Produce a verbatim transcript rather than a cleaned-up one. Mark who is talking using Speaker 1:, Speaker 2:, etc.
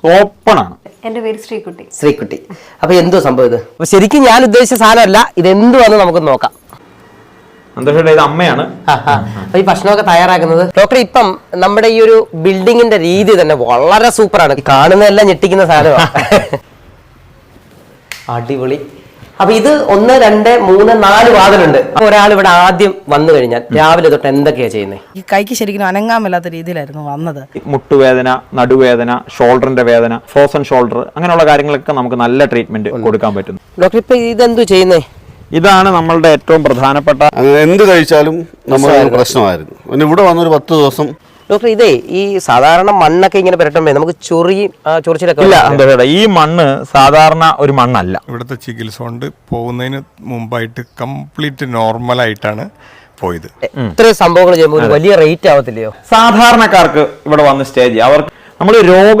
Speaker 1: Open ആണ്.
Speaker 2: എന്റെ പേര് ശ്രീകുട്ടി.
Speaker 3: ശ്രീകുട്ടി. അപ്പൊ എന്തോ സംഭവം ഇത്? അപ്പൊ ശരിക്കും ഞാൻ ഉദ്ദേശിച്ച സാധനമല്ല, ഇത് എന്തുവാന്ന് നമുക്ക് നോക്കാം.
Speaker 1: സന്തോഷേട്ടാ, ഇത് അമ്മയാണ്.
Speaker 3: അപ്പൊ ഈ ഭക്ഷണമൊക്കെ തയ്യാറാക്കുന്നത് ഡോക്ടർ. ഇപ്പം നമ്മുടെ ഈ ഒരു ബിൽഡിങ്ങിന്റെ രീതി തന്നെ വളരെ സൂപ്പറാണ്. കാണുന്നതെല്ലാം ഞെട്ടിക്കുന്ന സാധനമാണ്. അടിപൊളി. അപ്പൊ ഇത് ഒന്ന് രണ്ട് മൂന്ന് നാല് വാതിലുണ്ട്. ഒരാൾ ഇവിടെ ആദ്യം വന്നു കഴിഞ്ഞാൽ രാവിലെ തൊട്ട് എന്തൊക്കെയാ ചെയ്യുന്നത്?
Speaker 4: ഈ കൈക്ക് ശരിക്കും അനങ്ങാൻ മേലാത്ത രീതിയിലായിരുന്നു വന്നത്.
Speaker 1: മുട്ടുവേദന, നടുവേദന, ഷോൾഡറിന്റെ വേദന, ഫ്രോസൺ ഷോൾഡർ, അങ്ങനെയുള്ള കാര്യങ്ങളൊക്കെ നമുക്ക് നല്ല ട്രീറ്റ്മെന്റ് കൊടുക്കാൻ പറ്റും.
Speaker 3: ഡോക്ടർ ഇപ്പൊ ഇതെന്തു ചെയ്യുന്നേ?
Speaker 1: ഇതാണ് നമ്മളുടെ ഏറ്റവും പ്രധാനപ്പെട്ട.
Speaker 5: എന്ത് കഴിച്ചാലും നമുക്ക് പ്രശ്നമായിരുന്നു. പിന്നെ ഇവിടെ വന്നൊരു പത്ത് ദിവസം.
Speaker 3: ഡോക്ടർ ഇതേ ഈ സാധാരണ മണ്ണൊക്കെ ഇങ്ങനെ പുരട്ടുമ്പോ നമുക്ക് ചൊറിയും ചൊറിച്ചിലൊക്കെ
Speaker 1: ഇല്ല. എന്താ ഈ മണ്ണ് സാധാരണ ഒരു മണ്ണല്ല.
Speaker 6: ഇവിടുത്തെ ചികിത്സ കൊണ്ട് പോകുന്നതിന് മുമ്പായിട്ട് കംപ്ലീറ്റ് നോർമലായിട്ടാണ് പോയത്.
Speaker 3: ഇത്രയും സംഭവങ്ങൾ ചെയ്യുമ്പോൾ വലിയ റേറ്റ് ആവത്തില്ലയോ?
Speaker 1: സാധാരണക്കാർക്ക് ഇവിടെ വന്ന് സ്റ്റേ ചെയ്യാം. അവർക്ക് നമ്മൾ രോഗ